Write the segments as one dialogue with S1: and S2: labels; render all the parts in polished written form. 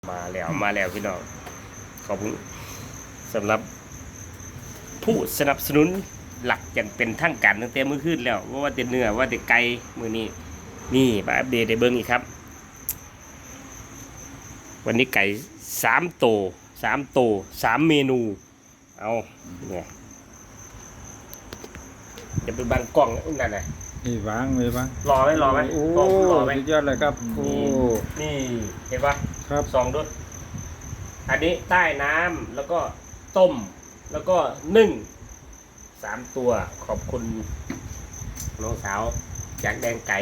S1: มาแล้วพี่น้องขอบคุณสำหรับผู้สนับสนุนหลักอย่างเป็นทางการตั้งแต่มื้อคืนแล้วว่าแต่เนื้อว่าแต่ไก่มื้อนี้นี่มาอัปเดตให้เบิ่งอีกครับ วันนี้ไก่3 เมนูเอาเนี่ยจะไปบังกล้องนั่นน่ะ
S2: นี่วางเลยบ้าง
S1: รอไหม
S2: โอ้
S1: รอไหม
S2: สุดยอดเลยครับโอ้
S1: นี่เห็นปะ
S2: ครับ
S1: สองด้วยอันนี้ใต้น้ำแล้วก็ต้มแล้วก็นึ่ง3 ตัวขอบคุณน้องสาวจากแดงไก่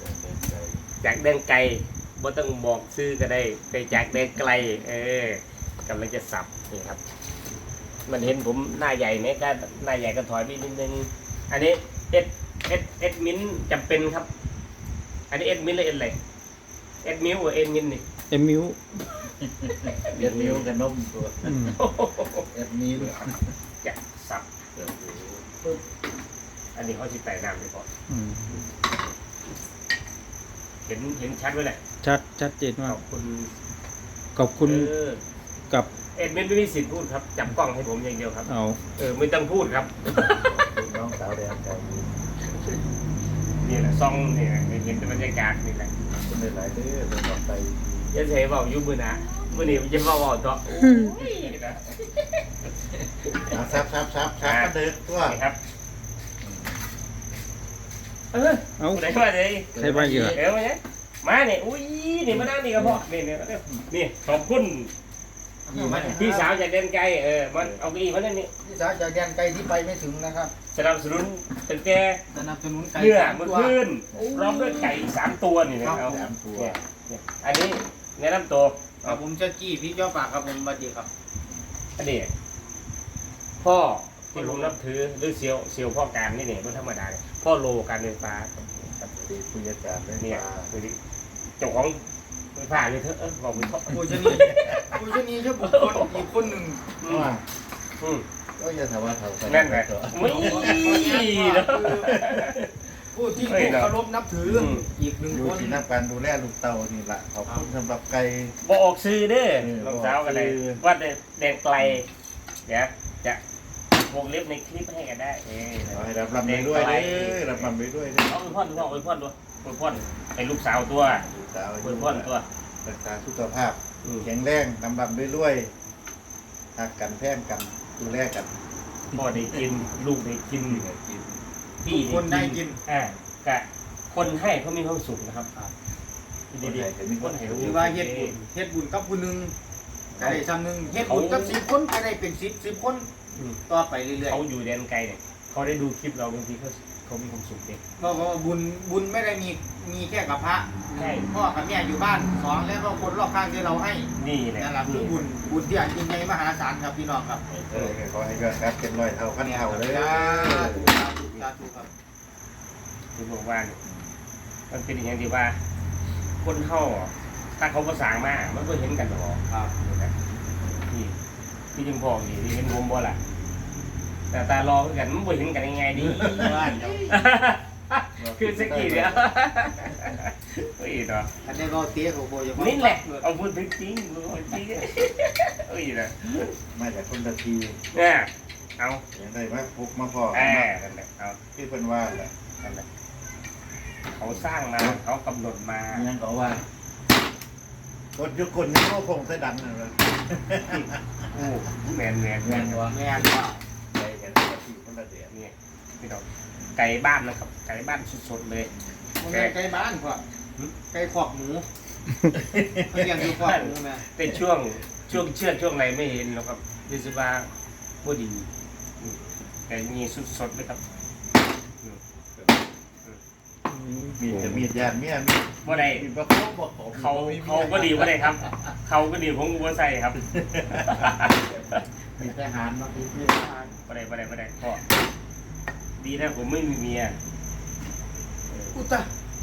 S1: บ่ต้องบอกซื้อก็ได้ไปจากแดงไกลกำลังจะสับนี่ครับ มันเห็นผมหน้าใหญ่ไหมก็หน้าใหญ่ก็ถอยไปนิดนึงอันนี้เอ็ดมิ้นจำเป็นครับ อันนี้เอ็ดมิ้นหรือเอ็ดอะไรเอ็ดมิ้วหรือเอ็ดมิ้นนี่
S2: เอ็มมิว
S3: เอ็ดนิ้วกับนมตัว
S2: อืม
S3: เอ็ดนิ้ว
S1: จะสับปึ๊บอันนี้เขาจะใส่น้ำไปก่อน
S2: อืม
S1: เห็นชัดไว้เลย
S2: ชัดเจน
S1: ข
S2: มาก
S1: อบคุณ
S2: ขอบคุณ กับ
S1: เอ็ดมิ้นไม่มีสิทธิ์พูดครับจับกล้องให้ผมอย่างเดียวครับ
S2: เอา
S1: ไม่ต้องพูดครับ
S3: น้องสาวแดงไก่
S1: นี่แหละซองนี่แหละเห็นบรรยากาศนี่แหละ
S3: คนหลายๆเด้อเป็นต่อไป
S1: ยันเสบอกยุบมือนะมือนี้มันจะมาบอกต่อนะ
S3: ซับก็เดินตัว
S1: นี่ครับ
S2: เอา
S1: ไหนมาเลย
S2: ใครมาเยอะ
S1: เดี๋ยวมาเนี่ยมาเนี่ยอุ้ยนี่มานั่งนี่ก็พอนี่ขอบคุณพี่สาวจากเดนไกลมันเอาเก้าอี้มาเนี่ยนี่
S3: พี่สาวจากแดนไกลที่ไปไม่ถึงนะครับ
S1: สนับสนุนตั้งแต่
S3: สนับสนุนไก่
S1: เนื้อ
S3: 3
S1: เมื่อ
S3: ตัว
S1: คืนพร้อมด้วยไก่3 ตัวนี่นะ
S3: ครั
S1: เอา
S3: บ3 ตัว
S1: เนี่ยอันนี้แนะนำตัว
S4: ครับผมเจ้าจี้พี่เจ้าปากครับผมบัดดีครับ
S1: อันนี้พ่อที่ผมนับถือหรือเซียวพ่อการนี่เนี่ยไม่ธรรมดาเนี่ยพ่อโลการไฟฟ้า
S3: ตีผู้จัดการได้
S1: เนี่ย
S3: มา
S1: คือเจ้าของไฟฟ้าเลยเถอะบอกไปเถอะ
S4: ผู้ชนีผู้ชนีเจ้าบุคคลอีกคนหนึ่ง
S3: ว่า
S1: อืม
S3: ก็จะถามว่าเขาไป
S1: นั่นไงไม่เนาะ
S4: ผู้ที่ผู้เคารพนับถืออ
S1: ม
S4: อีกหนึ่ง
S3: ดู
S4: คน
S3: ที่นักการดูแลลูกเต่านี่แหละขอบคุณสำหรับไก่
S1: บอกออกซื้อเด้อ
S3: เออ
S1: รองเท้ากันเลย
S3: บอกซื้อ
S1: ว่าแดงไกลเดี๋ยวจะวงเล็บในคลิปให้กันได้
S3: ขอให้รับไปด้วยเด้อรับไปด้วยเด้อ
S1: เอาไปพ่นด้วยไปพ่นให้ลูกสาวตัว
S3: ลูกสาว
S1: ไปพ่นตัว
S3: รักษาสุขภาพแข็งแรงลำรับด้วยหักกันแพงกันดูแลกัน
S1: พ่อได้กินลูกได้กิน
S3: กิน
S1: พี่
S4: คนได้กิน
S1: กะคนให้เขามีความสุขนะครับ
S3: คนไหนจะมีคนให้รู้
S4: หรือว่าเฮ็ดบุญกับผู้หนึ่งก็ได้ซ้ำหนึ่งเฮ็ดบุญกับ10 คนก็ได้เป็น10 คนต่อไปเรื่อย
S1: เขาอยู่แดนไกลเนี่ยเขาได้ดูคลิปเราบางทีเขามีความสุขเด็ก
S4: ๆเพราะว่าบุญไม่ได้มีแค่กับพระ
S1: ใช่
S4: พ่อกับแม่อยู่บ้าน2แล้วก็คนรอบข้างที่เราให้
S1: นี่แหละ
S4: นั่นแหละคือบุญที่อันยิ่งใหญ่มหาศาลครับพี่น้องครับ
S3: ขอให้ยอดครับเป็นร้อยเท่าพันเท่าเลย
S4: สาธุสาธุครับ
S1: คือบอกว่าเนี่ยมันเป็นอย่างที่ว่า คนเฮาถ้าเขาภาษามามันก็เห็นกันหรอก
S4: ครับ
S1: นี่พี่จึงบอกนี่ที่เห็นผมบ่ล่ะแต่ตารอกันมันบ่เห็นกันยังไงดี
S4: บ้านเนาะ
S1: คือสกีเนี่ยเฮ้ยเนาะ
S4: อันนี้ก็เตี้ยของโบย
S1: นี่แหละเอาพูดจริงๆจริงเฮ้ยนะ
S3: มาจากคนตะที
S1: เนี่ยเอา
S3: อย่างไรมาพุกมาพอ
S1: นั่นแหละเอา
S3: ที่เป็นว่าแหละ
S1: นั่นแหละเขาสร้างมาเขากำหนดมา
S3: ยังก็ว่าคนยุคนนี่ก็คงใส่ดันนะเลย
S1: โอ้แมน
S4: แม่นว่า
S3: ใจกันตะทีคนละเดีย
S1: นี่พี่น้องไก่บ้านนะครับ ไก่บ้านสดๆเลย
S4: มันไก่บ้านพ่อไก่ขอกหมูเขาเรียกอยู่ขอกหมูแม่
S1: เป็นช่วงเชือดช่วงอะไรไม่เห็นหรอกครับดิสบาบ่ดีแต่มีสดๆเลยครับ
S3: มีจะมีญาติเมียมี
S1: บ่ได้
S3: มีประคบบอกผม
S1: เขาก็ดีบ่ได้ครับ เขาก็ดีผมก็บ่ใส่ครับ
S4: มีทหารมาอีกมีทหาร
S1: บ่ได้พ่อดีนะผมไม่มีเมีย
S4: อุตะ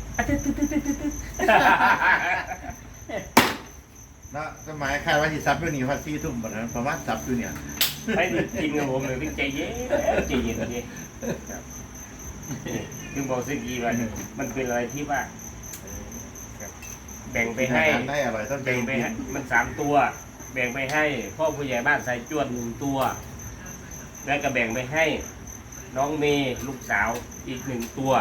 S3: นะสมัยใครว่าที่ซับอยู่นี่พัด4 ทุ่มแบบนั้นประมาณซับอยู่เนี่ย
S1: ไม่ได้กินกับผมเลยใจเย็นนี่ถึงบอกสกีว่ามันเป็นอะไรที่ว่าแบ่งไปให้
S3: อาารได้อร่อยต้อง
S1: แบ่งไปให้มัน3 ตัว แบ่งไปให้พ่อผู้ใหญ่บ้านสายจวด1 ตัว แล้วก็แบ่งไปให้น้องเมย์ลูกสาวอีก1 ตัว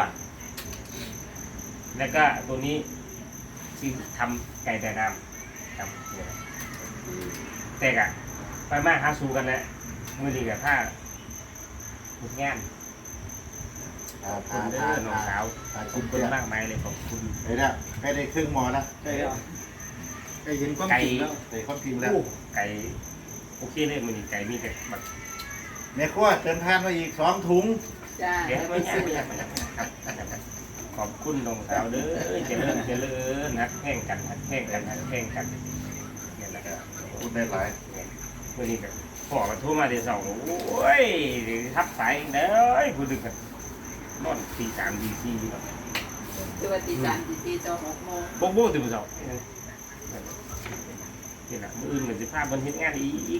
S1: แล้วก็ตัวนี้ที่ทำไก่แต่น้ำครับแต่กะไปมาหาสู่กันแล้วมือดีกับผ้าถูกงานขอบคุณเด้อน้องสาวขอบคุณมากมายเลยขอบคุณ
S3: เฮ้ยเนี่ยใกล้ได้ครึ่งหมอแล้ว
S4: ใช่แล้วได้เห็นความจริงแล้ว
S3: ได้ความจริงแล้ว
S1: โอ้ไก่โอเคเลยมือนี้ไก่มีแต่แบบ
S3: แม่ครัวเติมทานมาอีก2 ถุง
S5: จ้า
S1: เดี๋ยวให้ไม่ยากครับขอบคุณน้องสาวเด้อเจริญฮักแห้งกันฮักแห้งกันฮักแห้งกันเนี่ยแหละครับ
S3: พูดได้หลาย
S1: มื่อนี้ก็พ่อมาโทรมาเดี๋ยวสองโอ้ยเดี๋ยวทับสายอีกเด้อพูดถึงกันนอนตี 3 ตี 4ครับ
S5: คือว่าตี3ตี4จอ6 โมง
S1: โบ๊ะโบ๊ะตื่นมาสองนี่แหละมื้ออื่นเหมือนจะพาบนเฮ็ดงานอีก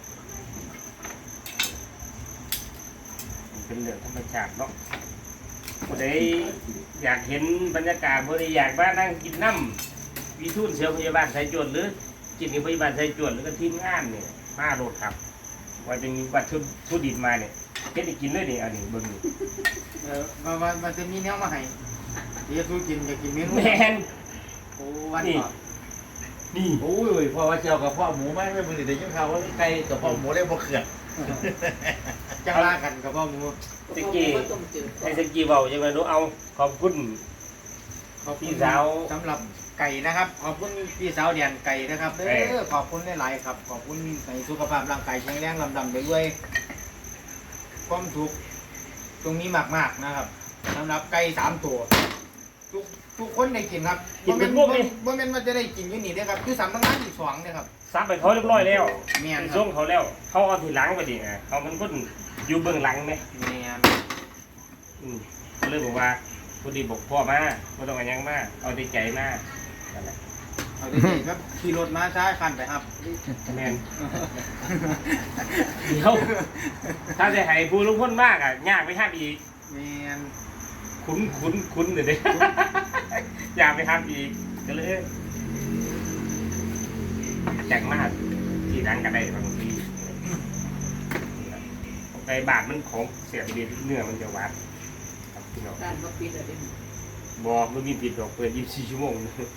S1: มันเป็นเรื่องธรรมชาติเนาะผู้ใดอยากเห็นบรรยากาศผู้ใดอยากมานั่งกินน้ำวิทูลเสียวพยาบาลสายจวดหรือกินกับพยาบาลสายจวดหรือก็ทีมงานเนี่ยมาโรดครับว่าจะมีวัตถุดิบมาเนี่ยเฮ็ดให้กินเลยนี่อันนี้เบิ่งนี่
S4: มันจะมีแนวมาให้เดี๋ยวสู้กินจะกินเมนู
S1: แม่น
S4: โอ้วัน
S1: นี่
S4: ก่อน
S1: นี่
S3: โอ้ยพอว่าเจียวกับพ่อหมูไหมไม่มึงเดี๋ยวยังข่าวว่าไก่กับพ่อหมูได้บ่เขื่อน
S4: จังลากันกับพ่อหมู
S1: ตะกี้
S5: ก็ต้มจืด
S1: ให้สกี้เบาจังไงรู้เอาขอบคุณ
S4: ขอบคุณ
S1: พี่สาว
S4: สำหรับไก่นะครับ ขอบคุณพี่สาวเดียนไก่นะครับเด้อขอบคุณหลายๆครับ ขอบคุณในสุขภาพร่างกายแข็งแรงลำดำไปด้วยความสุขตรงนี้มากๆนะครับสำหรับไก่3 ตัวทุกคนได้กินครับบ่แม่นว่าจะได้กินอยู่นี่เด้อครับคือ3 งานอีก2เนี่ยครับ
S1: ซับไปเขาเรียบร้อยแล้ว
S4: แม่น
S1: ไป
S4: ครั
S1: ส่
S4: บ
S1: งเขาแล้วเขาเอาทีหลังไปดิเขามันคนอยู่เบื้องหลังไหม
S4: แม่น
S1: เขาเลยบอกว่าพอดีบอกพ่อมาไม่ต้องอะไรยังมาเอาใจใจมานั่นแหละ
S4: เอาได้ๆครับขี่รถมาช้าคันไปครับ
S1: แม่นเดี๋ยวถ้าจะให้ผู้ลุกพ้นมากอ่ะยากไปห้ามอีก
S4: แม่น
S1: คุ้นเดี๋ยวนี้ อยากไปห้ามอีกก็เลยแจกมากที่ดังกันได้บางทีในบาทมันของเสียไปดีเนื้อมันจะหวานครับพี่น้อง
S5: ร้านบ่ปิดแล้วเด้
S1: บอกมันมีปิดดอกเปิด24 ชั่วโมง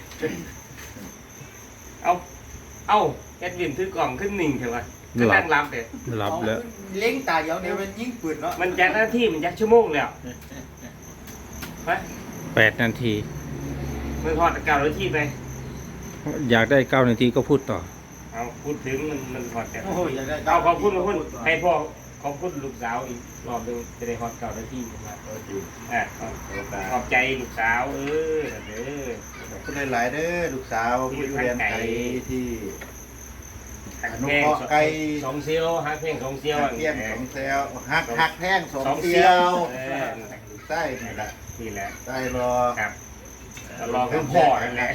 S1: เอาแอดวินถือกล่องขึ้น1เถอะวะก็นั่งรับเด็ด
S2: หลับแล้ว
S4: เล้งตาเดียวเนี่ยมันยิงปืนเนาะ
S1: มันจากหน้าที่มันจากชั่วโมงแล้วไป
S2: 8 นาที
S1: มือทอดเก่าแล้วที่ไป
S2: อยากได้ 9 นาทีก็พูดต่อ
S1: เอาพูดถึงมันทอดแต่
S4: โอ้ยอยากได้
S1: เอาขอบคุณให้พ่อขอบคุณลูกสาวอีกรอบหนึงจะได้ทอดเก่าแล้วที่มา
S3: โอเค
S1: ขอบใจลูกสาวเด้อ
S3: ขอบคุณหลายๆเด้อลูกสาวผู้อยู่เรียนไก่ที่
S1: หัก
S3: อนุ
S1: แพง
S3: เคราะห์ไก่
S1: 2 เซียวหักแพง2 เซียว
S3: หักเพี้ยน2 เซลหักแท่ง
S1: 2
S3: 2
S1: เซี
S3: เซี
S1: ย
S3: ยว ว
S1: เออ
S3: ใต้นี่แหละ
S1: นี่แหละ
S3: ใต้รอ
S1: ครับรอคือพ่อนั่นแหละ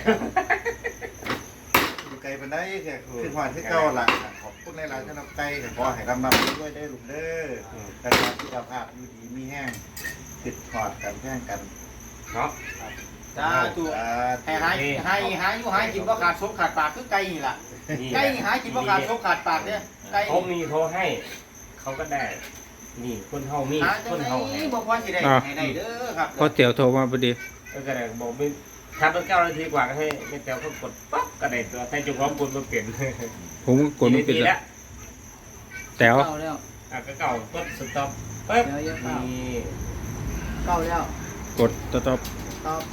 S3: อยู่ไก่ปานใดแค่คือหวานคือเก่าล่ะขอบคุณหลายๆสำหรับไก่ขอให้ลำไปด้วยได้อลูกเด้อการงานสุขภาพอยู่ดีมีแห้งติดถอดกันแห้งกัน
S1: เนาะ
S4: จ้าถูกให้หายอยู่หายกินบ่ขาดซบขาดปากคือไก่นี่ล่ะ
S1: นี่
S4: ไก่นี่หายกินบ่ขาดซบขาดปากเนี่ยไก่
S1: เขามีโทรให้ เขาก็ได้ นี่คนเฮามี
S4: หาจั
S1: ค
S4: ง
S1: น
S4: ได๋
S1: เฮาให้
S4: บ่พอสิได้ให้ได้เด้อครับ
S2: พอเตี๋ยวโทรมาพอดี
S1: ก็ได้บอกไม่ถ้าเป็น9 นาทีกว่าก็ให้แม่แต้วเขากดปั๊บก็ได้ตัวแต่จุกของกดมาเปลี่ยน
S2: ผมก็กดไม่
S1: กี่
S2: เป็น
S1: นาที
S2: แล้ว แต๋ว
S5: เก้าแล้ว
S1: ก็เก่าต้นสต็อปปึ๊บ
S5: เดี๋ยวเยอะเก้า
S1: นี่
S5: เก้าแล้ว
S2: กดตอบ
S5: ตอบ